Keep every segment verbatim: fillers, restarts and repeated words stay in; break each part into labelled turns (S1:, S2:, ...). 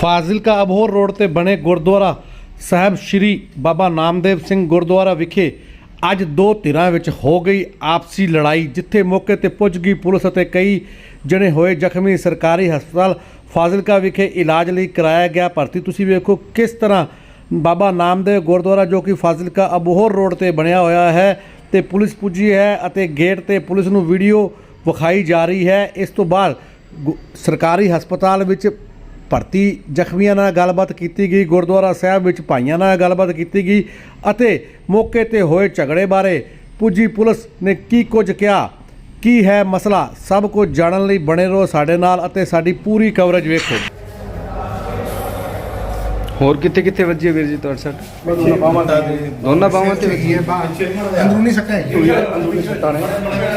S1: Fazilka Abohar road ਤੇ ਬਣੇ ਗੁਰਦੁਆਰਾ ਸਾਹਿਬ ਸ਼੍ਰੀ ਬਾਬਾ ਨਾਮਦੇਵ ਸਿੰਘ ਗੁਰਦੁਆਰਾ ਵਿਖੇ ਅੱਜ ਦੋ ਧਿਰਾਂ ਵਿੱਚ ਹੋ ਗਈ ਆਪਸੀ ਲੜਾਈ, ਜਿੱਥੇ ਮੌਕੇ ਤੇ ਪੁੱਜ ਗਈ ਪੁਲਿਸ ਅਤੇ ਕਈ ਜਣੇ ਹੋਏ ਜ਼ਖਮੀ। ਸਰਕਾਰੀ ਹਸਪਤਾਲ ਫਾਜ਼ਿਲਕਾ ਵਿਖੇ ਇਲਾਜ ਲਈ ਕਰਾਇਆ ਗਿਆ ਭਰਤੀ। ਤੁਸੀਂ ਵੇਖੋ ਕਿਸ ਤਰ੍ਹਾਂ ਬਾਬਾ ਨਾਮਦੇਵ ਗੁਰਦੁਆਰਾ ਜੋ ਕਿ ਫਾਜ਼ਿਲਕਾ ਅਬੋਹਰ ਰੋਡ ਤੇ ਬਣਿਆ ਹੋਇਆ ਹੈ ਤੇ ਪੁਲਿਸ ਪੁੱਜੀ ਹੈ ਅਤੇ ਗੇਟ ਤੇ ਪੁਲਿਸ ਨੂੰ ਵੀਡੀਓ ਵਿਖਾਈ ਜਾ ਰਹੀ ਹੈ। ਇਸ ਤੋਂ ਬਾਅਦ ਸਰਕਾਰੀ ਹਸਪਤਾਲ ਵਿੱਚ ਭਰਤੀ ਜ਼ਖਮੀਆਂ ਨਾਲ ਗੱਲਬਾਤ ਕੀਤੀ ਗਈ। ਗੁਰਦੁਆਰਾ ਸਾਹਿਬ ਵਿੱਚ ਭਾਈਆਂ ਨਾਲ ਗੱਲਬਾਤ ਕੀਤੀ ਗਈ ਅਤੇ ਮੌਕੇ ਤੇ ਹੋਏ ਝਗੜੇ ਬਾਰੇ ਪੁੱਜੀ ਪੁਲਿਸ ਨੇ ਕੀ ਕੁਝ ਕਿਹਾ, ਕੀ ਹੈ ਮਸਲਾ, ਸਭ ਕੁਝ ਜਾਣਨ ਲਈ ਬਣੇ ਰਹੋ ਸਾਡੇ ਨਾਲ ਅਤੇ ਸਾਡੀ ਪੂਰੀ ਕਵਰੇਜ ਵੇਖੋ।
S2: ਹੋਰ ਕਿੱਥੇ ਕਿੱਥੇ ਵੱਜੀ ਵੀਰ ਜੀ ਤੁਹਾਡੇ ਸੱਟ? ਦੋਨਾਂ ਬਾਹਾਂ ਤੇ ਵੱਜੀ ਹੈ।
S3: ਅੰਦਰੂਨੀ ਸੱਟਾਂ ਹੈ,
S2: ਅੰਦਰੂਨੀ ਸੱਟਾਂ ਨੇ।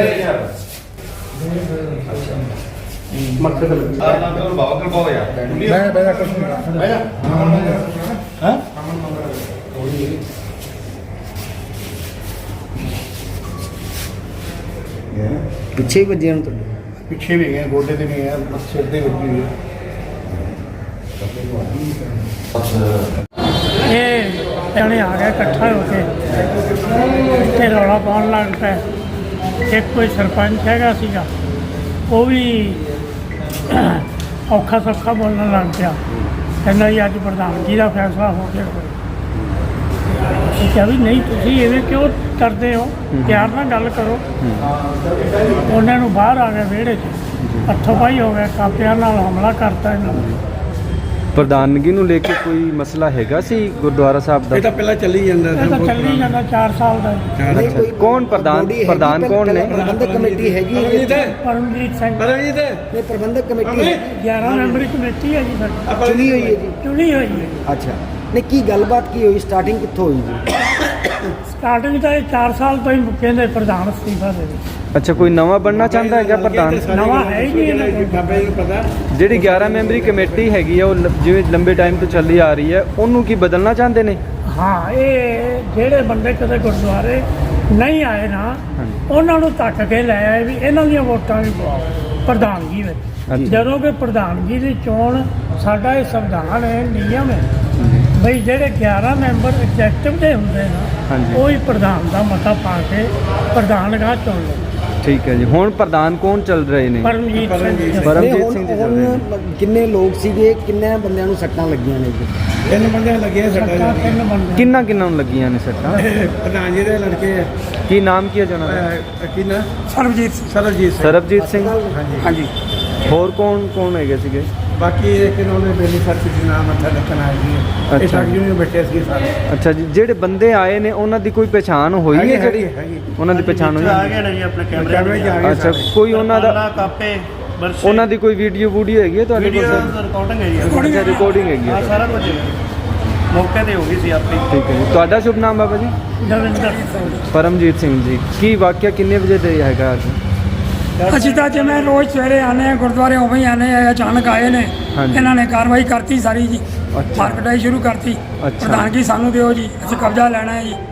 S3: ਮੱਥੇ ਤੇ ਲੱਗੀ।
S4: ਬਾਬਾ ਕਰ ਪਾਓ ਯਾਰ
S3: ਮੈਂ ਬੈਠਾ ਕੁਛ ਨਹੀਂ ਬੈਠਾ ਹਾਂ
S2: ਪਿੱਛੇ ਹੀ ਵੱਜੇ ਹਨ ਤੁਹਾਡੇ?
S3: ਪਿੱਛੇ ਵੀ ਗਏ, ਗੋਡੇ ਤੇ ਵੀ ਗਏ, ਸਿਰ ਤੇ ਵੱਜੀ ਹੋਈ ਹੈ।
S5: ਇਹ ਜਣੇ ਆ ਗਏ ਇਕੱਠਾ ਹੋ ਕੇ ਇੱਥੇ ਰੌਲਾ ਪਾਉਣ ਲੱਗ ਪਿਆ। ਇੱਕ ਕੋਈ ਸਰਪੰਚ ਹੈਗਾ ਸੀਗਾ, ਉਹ ਵੀ ਔਖਾ ਸੌਖਾ ਬੋਲਣ ਲੱਗ ਪਿਆ। ਕਹਿੰਦਾ ਜੀ ਅੱਜ ਪ੍ਰਧਾਨਗੀ ਦਾ ਫੈਸਲਾ ਹੋ ਗਿਆ। ਕਿਹਾ ਵੀ ਨਹੀਂ, ਤੁਸੀਂ ਐਵੇਂ ਕਿਉਂ ਕਰਦੇ ਹੋ, ਪਿਆਰ ਨਾਲ ਗੱਲ ਕਰੋ। ਉਹਨਾਂ ਨੂੰ ਬਾਹਰ ਆ ਗਏ ਵਿਹੜੇ 'ਚ, ਹੱਥੋਂ ਪਾਈ ਹੋ ਗਿਆ, ਕਾਪਿਆਂ ਨਾਲ ਹਮਲਾ ਕਰਤਾ ਇਹਨਾਂ ਨੇ।
S2: ਪ੍ਰਧਾਨਗੀ ਨੂੰ ਲੈ ਕੇ ਕੋਈ ਮਸਲਾ ਹੈਗਾ ਸੀ ਗੁਰਦੁਆਰਾ ਸਾਹਿਬ ਦਾ?
S3: ਇਹ ਤਾਂ ਪਹਿਲਾਂ ਚੱਲੀ ਜਾਂਦਾ
S5: ਇਹ ਤਾਂ ਚੱਲੀ ਜਾਂਦਾ ਚਾਰ ਸਾਲ ਦਾ।
S2: ਅੱਛਾ, ਕੌਣ ਪ੍ਰਧਾਨ ਪ੍ਰਧਾਨ ਕੌਣ ਨੇ?
S6: ਪ੍ਰਬੰਧਕ ਕਮੇਟੀ ਹੈਗੀ ਹੈ
S5: ਪਰਮਜੀਤ ਸਿੰਘ
S3: ਪਰਮਜੀਤ
S6: ਇਹ ਪ੍ਰਬੰਧਕ ਕਮੇਟੀ ਹੈ,
S5: ਗਿਆਰਾਂ ਮੈਂਬਰੀ ਕਮੇਟੀ ਹੈ ਜੀ ਸਾਡੀ,
S6: ਚੁਣੀ ਹੋਈ ਹੈ ਜੀ।
S5: ਚੁਣੀ ਹੋਈ ਹੈ।
S6: ਅੱਛਾ, ਨਹੀਂ ਕੀ ਗੱਲਬਾਤ ਕੀ ਹੋਈ, ਸਟਾਰਟਿੰਗ ਕਿੱਥੋਂ ਹੋਈ ਜੀ?
S5: ਸਟਾਰਟਿੰਗ ਤਾਂ ਇਹ ਚਾਰ ਸਾਲ ਤੋਂ ਹੀ ਕਹਿੰਦੇ ਪ੍ਰਧਾਨ ਅਸਤੀਫਾ ਦੇ ਦੇ।
S2: ਅੱਛਾ, ਕੋਈ ਨਵਾਂ ਬਣਨਾ ਚਾਹੁੰਦਾ ਹੈਗਾ ਪ੍ਰਧਾਨ?
S5: ਨਵਾਂ ਹੈ ਹੀ ਨਹੀਂ ਇਹਨਾਂ ਕੋਲ।
S3: ਬਾਬੇ ਨੂੰ ਪਤਾ
S2: ਜਿਹੜੀ ਗਿਆਰਾਂ ਮੈਂਬਰੀ ਕਮੇਟੀ ਹੈਗੀ ਆ, ਉਹ ਲ- ਜਿਵੇਂ ਲੰਬੇ ਟਾਈਮ ਤੋਂ ਚੱਲੀ ਆ ਰਹੀ ਹੈ, ਉਹਨੂੰ ਕੀ ਬਦਲਣਾ ਚਾਹੁੰਦੇ ਨੇ?
S5: ਹਾਂ, ਇਹ ਜਿਹੜੇ ਬੰਦੇ ਕਦੇ ਗੁਰਦੁਆਰੇ ਨਹੀਂ ਆਏ ਨਾ, ਉਹਨਾਂ ਨੂੰ ਧੱਕ ਕੇ ਲੈ ਆਏ ਵੀ ਇਹਨਾਂ ਦੀਆਂ ਵੋਟਾਂ ਵੀ ਪਵਾਓ ਪ੍ਰਧਾਨਗੀ ਵਿੱਚ। ਜਦੋਂ ਕਿ ਪ੍ਰਧਾਨਗੀ ਦੀ ਚੋਣ ਸਾਡਾ ਇਹ ਸੰਵਿਧਾਨ ਹੈ, ਨਿਯਮ ਹੈ ਬਈ ਜਿਹੜੇ ਗਿਆਰਾਂ ਮੈਂਬਰ ਐਗਜ਼ੈਕਟਿਵ ਦੇ ਹੁੰਦੇ ਨਾ, ਉਹ ਹੀ ਪ੍ਰਧਾਨ ਦਾ ਮਤਾ ਪਾ ਕੇ ਪ੍ਰਧਾਨਗਾ ਚੁਣ ਲਓ।
S2: ਠੀਕ ਹੈ ਜੀ। ਹੁਣ ਪ੍ਰਧਾਨ ਕੌਣ ਚੱਲ ਰਹੇ ਨੇ?
S5: ਪਰਮਜੀਤ ਸਿੰਘ।
S2: ਪਰਮਜੀਤ
S6: ਹੁਣ-
S2: ਸਿੰਘ ਜੀ ਚੱਲ ਰਹੇ ਨੇ।
S6: ਹੁਣ ਕਿੰਨੇ ਲੋਕ ਸੀਗੇ, ਕਿੰਨੇ ਬੰਦਿਆਂ ਨੂੰ ਸੱਟਾਂ ਲੱਗੀਆਂ ਨੇ ਜੀ?
S3: ਤਿੰਨ ਬੰਦੇ ਲੱਗੇ
S5: ਸੱਤਾਂ
S3: ਸੱਟਾਂ
S5: ਤਿੰਨ ਬੰਦੇ।
S2: ਕਿੰਨਾ ਕਿੰਨਾ ਨੂੰ ਲੱਗੀਆਂ ਨੇ ਸੱਟਾਂ?
S3: ਪ੍ਰਧਾਨ ਜੀ ਦੇ ਲੜਕੇ ਆ।
S2: ਕੀ ਨਾਮ ਕੀ ਹੈ ਜਨਾਬ?
S3: ਅਹ, ਕੀ ਨਾ
S5: ਸਰਬਜੀਤ ਸਿੰਘ।
S3: ਸਰਬਜੀਤ ਸਿੰਘ।
S2: ਸਰਬਜੀਤ ਸਿੰਘ।
S3: ਹਾਂਜੀ।
S2: ਹੋਰ ਕੌਣ ਕੌਣ ਹੈਗੇ ਸੀਗੇ?
S3: ਬਾਕੀ ਇਹ ਕਿ ਉਹਨੇ ਬੇਲੀ ਸਰਚ ਜੀ ਨਾਮ ਮੱਥਾ ਰੱਖਣ ਆਏ ਜੀ। ਇਹ
S2: ਅੱਛਾ।
S3: ਸਾਡੀ ਨੂੰ ਬੈਠੇ ਸੀ ਸਾਰੇ।
S2: ਅੱਛਾ ਜੀ, ਜਿਹੜੇ ਬੰਦੇ ਆਏ ਨੇ ਉਹਨਾਂ ਦੀ ਕੋਈ ਪਛਾਣ ਹੋਈ ਹੈ? ਜਿਹੜੀ
S3: ਹੈਗੀ
S2: ਉਹਨਾਂ ਦੀ ਪਛਾਣ ਹੋਈ
S7: ਆ
S2: ਹੈ?
S7: ਗਏ ਨੇ ਜੀ ਆਪਣੇ
S3: ਕੈਮਰੇ
S7: ਕੈਮਰੇ
S3: 'ਚ ਆ ਗਏ
S2: ਅੱਛਾ,
S3: ਸਾਰੇ।
S2: ਕੋਈ ਉਹਨਾਂ ਦਾ
S7: ਉਹਨਾਂ ਕਾਪੇ ਵਰਸ਼ੇ
S2: ਉਹਨਾਂ ਦੀ ਕੋਈ ਵੀਡੀਓ ਵੂਡੀਓ ਹੈਗੀ ਹੈ ਤੁਹਾਡੇ
S7: ਵੀਡੀਓ
S2: ਕੋਲ?
S7: ਰਿਕਾਰਡਿੰਗ ਹੈ ਜੀ।
S2: ਅੱਛਾ, ਰਿਕਾਰਡਿੰਗ ਹੈਗੀ
S7: ਹਾਂ,
S2: ਹੈ।
S7: ਸਾਰਾ ਕੁਝ ਹੈ। ਮੌਕੇ ਤੇ ਹੋ ਗਈ ਸੀ ਆਪੇ।
S2: ਠੀਕ ਹੈ ਜੀ। ਤੁਹਾਡਾ ਸ਼ੁਭ ਨਾਮ ਬਾਬਾ ਜੀ?
S5: ਦਵਿੰਦਰ ਸਿੰਘ।
S2: ਪਰਮਜੀਤ ਸਿੰਘ ਜੀ। ਕੀ ਵਾਕਿਆ ਕਿੰਨੇ ਵਜੇ ਤੇ ਹੈਗਾ ਅੱਜ?
S8: ਅਸੀਂ ਤਾਂ ਜਿਵੇਂ ਰੋਜ਼ ਸਵੇਰੇ ਆਨੇ ਆ ਗੁਰਦੁਆਰੇ ਉਵੇਂ ਹੀ ਆਨੇ ਆ, ਅਚਾਨਕ ਆਏ ਨੇ,
S2: ਹਾਂਜੀ।
S8: ਇਹਨਾਂ ਨੇ ਕਾਰਵਾਈ ਕਰਤੀ ਸਾਰੀ ਜੀ,
S2: ਅੱਛਾ।
S8: ਮਾਰਕਟਾਈ ਸ਼ੁਰੂ ਕਰਤੀ।
S2: ਅੱਛਾ।
S8: ਪ੍ਰਧਾਨਗੀ ਸਾਨੂੰ ਦਿਓ ਜੀ, ਅਸੀਂ ਕਬਜ਼ਾ ਲੈਣਾ ਹੈ ਜੀ।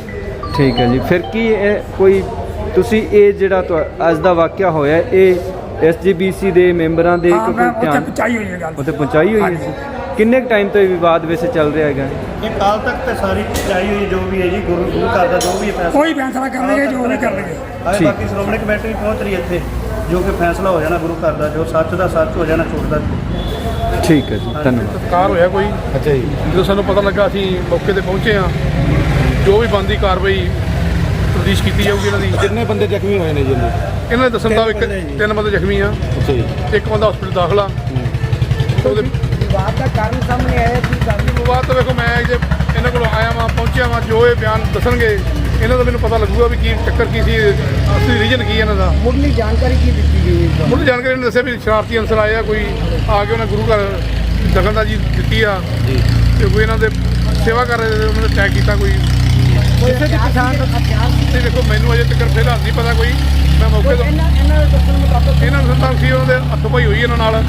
S2: ਠੀਕ ਹੈ ਜੀ। ਫਿਰ ਕੀ ਇਹ ਕੋਈ ਤੁਸੀਂ ਇਹ ਜਿਹੜਾ ਤੁਹਾ- ਅੱਜ ਦਾ ਵਾਕਿਆ ਹੋਇਆ, ਇਹ ਐਸ ਜੀ ਬੀ ਸੀ ਦੇ ਮੈਂਬਰਾਂ ਦੇ
S8: ਹਾਂ,
S2: ਕੋਈ
S8: ਮੈਂ ਉੱਥੇ
S2: ਧਿਆਨ
S8: ਪਹੁੰਚਾਈ ਹੋਈ ਹੈ ਗੱਲ।
S2: ਉੱਥੇ ਪਹੁੰਚਾਈ ਹੋਈ ਹੈ?
S8: ਹਾਂਜੀ।
S2: ਕਿੰਨੇ ਟਾਈਮ ਤੋਂ ਇਹ ਵਿਵਾਦ ਵੈਸੇ ਚੱਲ ਰਿਹਾ ਹੈਗਾ?
S7: ਇਹ ਕਾਲ ਤੱਕ ਤੇ ਸਾਰੀ ਚਾਈ ਹੋਈ ਜੋ ਵੀ ਹੈ ਜੀ, ਗੁਰੂ ਗੁਰੂ ਘਰ ਦਾ ਜੋ ਵੀ ਹੈ ਫੈਸਲਾ
S8: ਕੋਈ ਫੈਸਲਾ ਕਰਨਗੇ ਜੋ ਵੀ ਕਰਨਗੇ।
S7: ਆਏ।
S2: ਠੀਕ।
S7: ਬਾਕੀ ਸ਼੍ਰੋਮਣੀ ਕਮੇਟੀ ਵੀ ਪਹੁੰਚ ਰਹੀ ਹੈ ਇੱਥੇ, ਜੋ ਕਿ ਫੈਸਲਾ ਹੋ ਜਾਣਾ ਗੁਰੂ ਘਰ ਦਾ, ਜੋ ਸੱਚ ਦਾ ਸੱਚ ਹੋ ਜਾਣਾ, ਝੂਠ ਦਾ ਝੂਠ।
S2: ਠੀਕ ਹੈ ਜੀ, ਧੰਨਵਾਦ।
S9: ਕਾਰ ਹੋਇਆ ਕੋਈ। ਅੱਛਾ ਜੀ। ਜਦੋਂ ਸਾਨੂੰ ਪਤਾ ਲੱਗਾ ਅਸੀਂ ਮੌਕੇ ਤੇ ਪਹੁੰਚੇ ਹਾਂ। ਜੋ ਵੀ ਬਣਦੀ ਕਾਰਵਾਈ ਤਫਤੀਸ਼ ਕੀਤੀ ਜਾਊਗੀ ਇਹਨਾਂ ਦੀ।
S3: ਕਿੰਨੇ ਬੰਦੇ ਜ਼ਖਮੀ ਹੋਏ ਨੇ ਜੀ?
S9: ਇਹਨਾਂ ਦੇ ਦੱਸਣ ਦਾ ਇੱਕ ਤਿੰਨ ਬੰਦੇ ਜ਼ਖਮੀ ਆ।
S3: ਅੱਛਾ ਜੀ।
S9: ਇੱਕ ਬੰਦਾ ਹਸਪੀਟਲ ਦਾਖਲਾ। ਉਹਦੇ
S6: ਵਿਵਾਦ ਦਾ ਕਾਰਨ ਸਾਹਮਣੇ ਆਇਆ ਕੀ ਕਾਰਨ?
S9: ਬਾਅਦ ਤੋਂ ਵੇਖੋ, ਮੈਂ ਜੇ ਇਹਨਾਂ ਕੋਲ ਆਇਆ ਵਾਂ, ਪਹੁੰਚਿਆ ਵਾਂ, ਜੋ ਇਹ ਬਿਆਨ ਦੱਸਣਗੇ ਇਹਨਾਂ ਦਾ ਮੈਨੂੰ ਪਤਾ ਲੱਗੂਗਾ ਵੀ ਕੀ ਚੱਕਰ ਕੀ ਸੀ, ਅਸਲੀ ਰੀਜਨ ਕੀ ਇਹਨਾਂ ਦਾ।
S6: ਮੁੱਢਲੀ ਜਾਣਕਾਰੀ ਕੀ ਦਿੱਤੀ ਗਈ ਹੈ?
S9: ਮੁੱਢ ਜਾਣਕਾਰੀ ਨੇ ਦੱਸਿਆ ਵੀ ਸ਼ਰਾਰਤੀ ਅਨਸਰ ਆਏ ਆ, ਕੋਈ ਆ ਕੇ ਉਹਨਾਂ ਗੁਰੂ ਘਰ ਦਖਲਅੰਦਾਜ਼ੀ ਦਿੱਤੀ ਆ ਤੇ ਕੋਈ ਇਹਨਾਂ ਦੇ ਸੇਵਾ ਕਰ ਰਹੇ ਤੇ ਉਹਨਾਂ ਨੇ ਅਟੈਕ ਕੀਤਾ। ਕੋਈ
S6: ਕਿਸੇ ਦੀ ਪਛਾਣ
S9: ਤੇ ਦੇਖੋ, ਮੈਨੂੰ ਅਜੇ ਤੱਕ ਫਿਲਹਾਲ ਨਹੀਂ ਪਤਾ ਕੋਈ। ਮੈਂ ਮੌਕੇ ਤੋਂ
S6: ਇਹਨਾਂ ਇਹਨਾਂ ਦੇ ਦੱਸਣ ਮੁਤਾਬਕ
S9: ਇਹਨਾਂ ਨੂੰ ਸੰਤਾਂ ਸੀ, ਉਹਨਾਂ ਦੇ ਹੱਥੋਂ ਪਾਈ ਹੋਈ ਇਹਨਾਂ ਨਾਲ।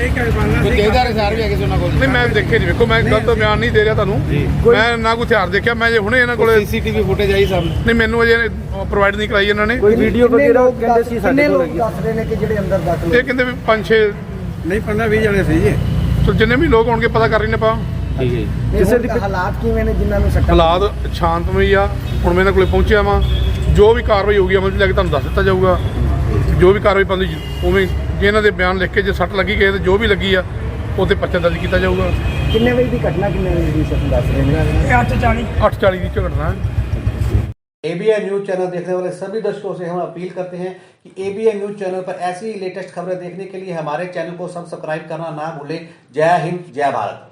S3: ਕਿਹਦਾ ਰਿਸਾਰ ਵੀ ਹੈਗੇ ਸੀ ਉਹਨਾਂ ਕੋਲ?
S9: ਨਹੀਂ, ਮੈਂ ਦੇਖੇ ਨਹੀਂ। ਵੇਖੋ, ਮੈਂ ਗਲਤ ਬਿਆਨ ਨਹੀਂ ਦੇ ਰਿਹਾ ਤੁਹਾਨੂੰ। ਮੈਂ ਨਾ ਕੋਈ ਹਥਿਆਰ ਦੇਖਿਆ। ਮੈਂ ਜੇ ਹੁਣੇ ਇਹਨਾਂ ਕੋਲੇ
S3: ਸੀਸੀਟੀਵੀ ਫੁਟੇਜ ਆਈ ਸਾਹਮਣੇ?
S9: ਨਹੀਂ, ਮੈਨੂੰ ਅਜੇ ਪ੍ਰੋਵਾਈਡ ਨਹੀਂ ਕਰਾਈ ਇਹਨਾਂ ਨੇ।
S2: ਕੋਈ ਵੀਡੀਓ ਵਗੈਰਾ ਉਹ ਕਹਿੰਦੇ ਸੀ ਸਾਡੇ
S6: ਕਿੰਨੇ
S2: ਕੋਲ
S6: ਲੋਕ
S2: ਹੈਗੀ?
S6: ਦੱਸ ਰਹੇ ਨੇ ਕਿ ਜਿਹੜੇ ਅੰਦਰ ਦਾਖਲ
S9: ਇਹ ਕਹਿੰਦੇ ਵੀ ਪੰਜ ਛੇ
S3: ਨਹੀਂ, ਪੰਦਰਾਂ ਵੀਹ ਜਣੇ ਸੀ ਜੀ।
S9: ਸੋ ਜਿੰਨੇ ਵੀ ਲੋਕ ਹੋਣਗੇ ਪਤਾ ਕਰ ਰਹੇ ਨੇ ਆਪਾਂ
S2: ਠੀਕ ਹੈ ਜੀ
S6: ਕਿਸੇ
S2: ਕਿਸੇ
S6: ਦੀ
S2: ਦੀ
S6: ਹਾਲਾਤ ਕਿਵੇਂ ਨੇ ਜਿਨ੍ਹਾਂ ਨੂੰ ਸੱਟਾਂ
S9: ਹਾਲਾਤ ਸ਼ਾਂਤਮਈ ਆ। ਹੁਣ ਮੈਂ ਇਹਨਾਂ ਕੋਲੇ ਪਹੁੰਚਿਆ ਵਾਂ, ਜੋ ਵੀ ਕਾਰਵਾਈ ਹੋਊਗੀ ਅਮਲ 'ਚ ਲੈ ਕੇ ਤੁਹਾਨੂੰ ਦੱਸ ਦਿੱਤਾ ਜਾਊਗਾ। ਜੋ ਵੀ ਕਾਰਵਾਈ ਪਾਉਂਦੀ ਉਵੇਂ ਜੇ ਇਹਨਾਂ ਦੇ ਬਿਆਨ ਲਿਖ ਕੇ ਜੇ ਸੱਟ ਲੱਗੀ ਗਏ ਤੇ ਜੋ ਵੀ ਲੱਗੀ ਆ ਉਹ 'ਤੇ ਪਰਚਾ ਦਰਜ ਕੀਤਾ ਜਾਊਗਾ।
S6: ਕਿੰਨੇ ਵਜੇ ਦੀ ਘਟਨਾ ਕਿੰਨੇ ਵਜੇ ਦੀ ਸੱਟ ਦੱਸ ਰਹੇ ਨੇ
S8: ਇਹ ਅੱਠ ਚਾਲੀ
S9: ਅੱਠ ਚਾਲੀ ਦੀ ਝਗੜਨਾ ਹੈ।
S1: एबीएन न्यूज चैनल देखने वाले सभी दर्शकों से हम अपील करते हैं कि एबीएन न्यूज चैनल पर ऐसी ही लेटेस्ट खबरें देखने के लिए हमारे चैनल को सब्सक्राइब करना ना भूलें। जय हिंद, जय भारत।